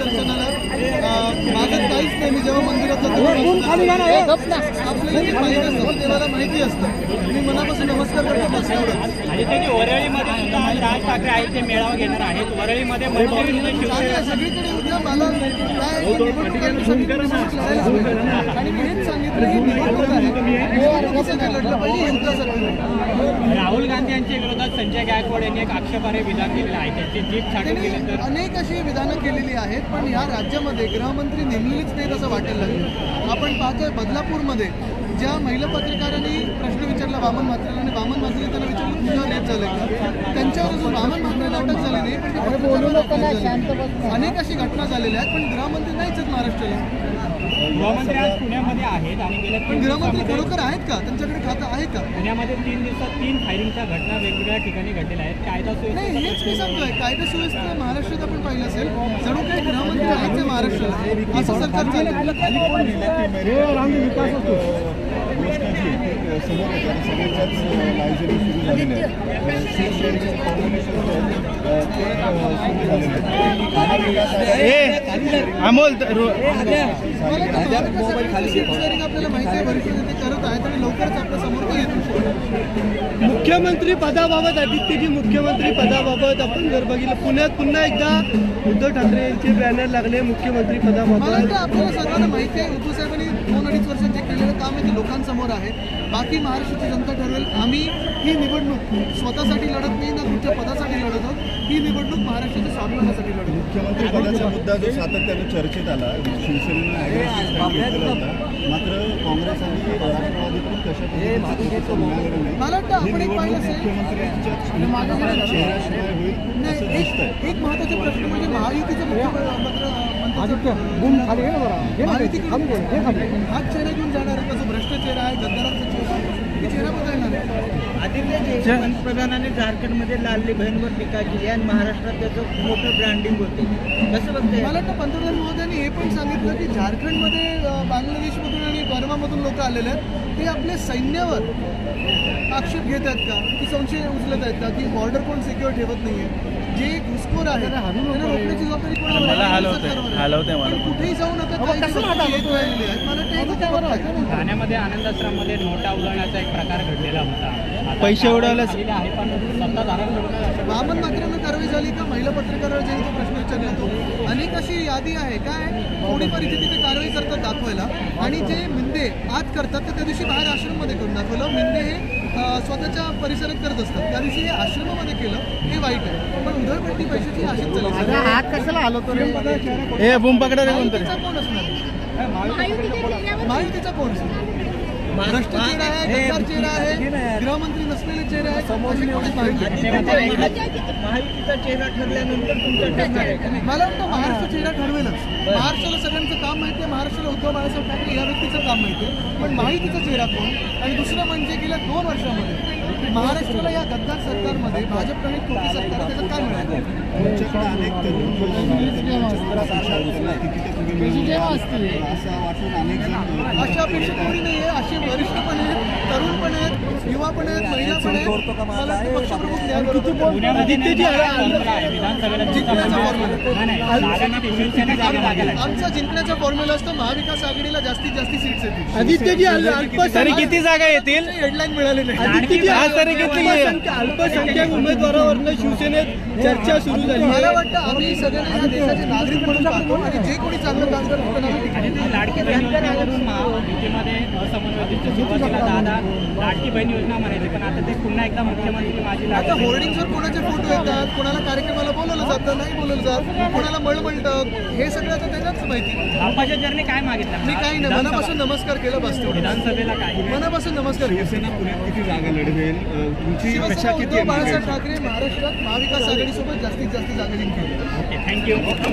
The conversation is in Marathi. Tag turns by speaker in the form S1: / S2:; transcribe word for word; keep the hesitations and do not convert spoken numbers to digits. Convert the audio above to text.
S1: दर्शनाला मागत काहीच नाही. मी जेव्हा मंदिरात जातो आपल्याला जे पाहिजे असतं देवाला माहिती असतं. मी मनापासून नमस्कार करतो बस एवढं.
S2: आणि त्यांनी वरळीमध्ये सुद्धा आज राज ठाकरे आहेत ते मेळावा घेणार आहेत. वरळीमध्ये
S1: सगळीकडे उद्या मला काय निवडणूक आहे, सगळीकडे लढायला हवी. आणि मी हेच सांगितलं ही निवडणूक आहे, लढलं पाहिजे युद्धासाठी.
S2: राहुल गांधी यांच्या विरोधात संजय गायकवाड यांनी एक आक्षेपार्ह विधान केलेलं आहे. त्यांची जीप छाटून गेली तर
S1: अनेक अशी विधानं केलेली आहेत, पण या राज्यामध्ये गृहमंत्री नेमलेलीच नाहीत असं वाटायला लागलं. आपण पाहतोय बदलापूरमध्ये ज्या महिला पत्रकारांनी प्रश्न विचारला वामन म्हात्रेला आणि वामन म्हात्रे त्यांना विचारलं तुझ्यावर रेप झालं, त्यांच्यावर अजून वामन म्हात्रेला अटक झाली नाही, पण ते पत्रकारांना अनेक अशी घटना झालेल्या आहेत. पण गृहमंत्री नाहीच आहेत महाराष्ट्राला.
S2: गृहमंत्री आज पुण्यामध्ये आहेत आणि गेल्या
S1: पण गृहमंत्री खरोखर आहेत का? त्यांच्याकडे खातं आहे का?
S2: पुण्यामध्ये तीन दिवसात तीन फायरिंगच्या घटना वेगवेगळ्या ठिकाणी घडलेल्या आहेत. कायदा
S1: नाही
S2: सुव्यवस्था
S1: हेच मी सांगतोय. कायदा सुव्यवस्था महाराष्ट्रात आपण पाहिलं असेल, जणू काही गृहमंत्री आहेत ते महाराष्ट्राला असं सरकार चाललं.
S3: समोर येतात सगळ्यांच्याच लायब्ररी सुरू झालेल्या आहेत. शिवसेनेचं कॉम्बिनेशन ते सुरू झालेलं
S4: अमोल
S1: आपल्याला माहिती आहे भविष्यात ते करत आहेत आणि लवकरच आपल्या समोर ते येतो.
S4: मुख्यमंत्री पदाबाबत आदित्यजी मुख्यमंत्री पदाबाबत आपण जर बघितलं पुण्यात पुन्हा एकदा उद्धव ठाकरे यांचे बॅनर लागले मुख्यमंत्री
S1: मला
S4: पदाबाबत.
S1: वाटतं आपल्याला सर्वांना माहिती आहे उद्धव साहेबांनी दोन अडीच वर्षात जे केलेलं काम आहे ते लोकांसमोर आहे. बाकी महाराष्ट्राची जनता ठरवेल. आम्ही ही निवडणूक स्वतःसाठी लढत नाही ना कुठच्या पदासाठी लढत आहोत. ही निवडणूक महाराष्ट्राच्या स्वाभिमानासाठी लढत.
S3: मुख्यमंत्री पदाचा मुद्दा जो सातत्याने चर्चेत आला, शिवसेनेनं ॲग्रेसिव्ह स्टँड घेतलेला होता. मात्र काँग्रेस आणि राष्ट्रवादीतून कशा पद्धतीचं मिळालेलं नाही.
S1: मला वाटतं आपण एक पाहिलं असेल
S3: मुख्यमंत्र्यांच्या चेहऱ्याशिवाय होईल असं दिसतंय.
S1: एक महत्त्वाचा प्रश्न म्हणजे महायुतीचं मुख्यमंत्री हाच चेहरा घेऊन जाणार आहे का? जो भ्रष्ट चेहरा आहे, गद्दारांचा चेहरा आहे, चेहरा बदलणार आहे.
S5: आदित्य पंतप्रधानांनी झारखंडमध्ये लाडली बहीणवर टीका केली आणि महाराष्ट्रात त्याचं मोठं ब्रँडिंग होते. कसं बघते?
S1: मला वाटतं पंतप्रधान महोदयांनी हे पण सांगितलं की झारखंडमध्ये बांगलादेशमधून आणि बर्मामधून लोक आलेले आहेत, ते आपल्या सैन्यावर आक्षेप घेत आहेत का, की संशय उचलत आहेत का, की बॉर्डर कोण सिक्युअर ठेवत नाहीये. जे घुसखोर आहे त्यांना रोखण्याची जबाबदारी कोणावर आहे? कुठेही जाऊ नका.
S2: ठाण्यामध्ये आनंदाश्रममध्ये नोटा उधळण्याचा एक प्रकार घडलेला होता.
S4: पैसे उडवले
S2: आहे पण सत्ताधाऱ्यांकडून
S1: वामन म्हात्रेंना कारवाई झाली का? महिला पत्रकारावर जे तो प्रश्न विचारला तो अनेक अशी यादी आहे. काय थोडीफार इथे तिथे कारवाई करतात दाखवायला, आणि जे मिंदे आत करतात तर त्या दिवशी बाहेर आश्रममध्ये करून दाखवलं. मिंदे हे स्वतःच्या परिसरात करत असतात, त्या दिवशी हे आश्रमामध्ये केलं, हे वाईट आहे. पण उधळपट्टी पैशाची अशीच चालली.
S4: हात कशाला हलवतो रे? हे बूम पकडा रे कोणतरी.
S1: कोण असणार? महायुतीचा कोण असणार? भ्रष्ट चेहरा आहे, गद्दार चेहरा आहे, गृहमंत्री नसलेले चेहरे आहेत.
S5: महायुतीचा चेहरा ठरल्यानंतर तुमचा ठरणार आहे.
S1: मला वाटतं महाराष्ट्र चेहरा ठरवेलच. महाराष्ट्राला सगळ्यांचं काम माहिती आहे. महाराष्ट्राला उद्धव बाळासाहेब ठाकरे या व्यक्तीचं काम माहिती आहे, पण महायुतीचा चेहरा कोण? आणि दुसरं म्हणजे गेल्या दोन वर्षामध्ये महाराष्ट्राला या गद्दार सरकारमध्ये भाजप प्रणित कृती सरकार त्याचं काय मिळालं?
S3: तुमच्याकडे अनेक तरुण असं वाटून अनेक जण
S1: अशा अपेक्षा कोणी नाही आहे. असे वरिष्ठ पण आहेत, तरुण पण आहेत, युवा पण आहेत, महिला पण आहेत. मला वाटतं पक्षप्रमुख न्याय आमचा जिंकण्याचा फॉर्म्युला असतो महाविकास आघाडीला जास्तीत जास्त सीट्स येतील.
S4: आदित्यजी तरी किती जागा येतील?
S1: हेडलाईन मिळाली नाही.
S4: तरी किती अल्पसंख्याक उमेदवारावरनं शिवसेनेत चर्चा सुरू झाली.
S1: मला वाटतं आम्ही सगळ्यांना या देशाचे नागरिक म्हणून पाहतो आणि जे कोणी चांगलं काम करतो त्यांना आम्ही
S2: आणि ते लाडकी बहीण योजनेवरून युतीमध्ये असमन्वयाची सुरुवातीला दादा लाडकी बहीण योजना म्हणायची, पण आता ते पुन्हा एकदा मुख्यमंत्री माझी
S1: आता
S2: लाडकी
S1: होर्डिंगवर कोणाचे फोटो येतात, कोणाला कार्यक्रमाला बोलवलं जातं, नाही बोलवलं जात, कोणाला मळमळतं, हे सगळं आता त्याच्याच माहिती.
S2: बाप्पाच्या चरणी काय मागितलं?
S1: मी काही नाही, मनापासून नमस्कार केलं बस तेवढं.
S2: विधानसभेला काय
S1: मनापासून नमस्कार केलं.
S3: शिवसेना पुण्यात किती जागा लढवेल? तुमची
S1: शिवसेना
S3: अपेक्षा किती
S1: उद्धव
S3: आहे?
S1: बाळासाहेब ठाकरे महाराष्ट्रात महाविकास आघाडीसोबत जास्तीत जास्त जागा जिंकतील.
S2: Okay, thank you.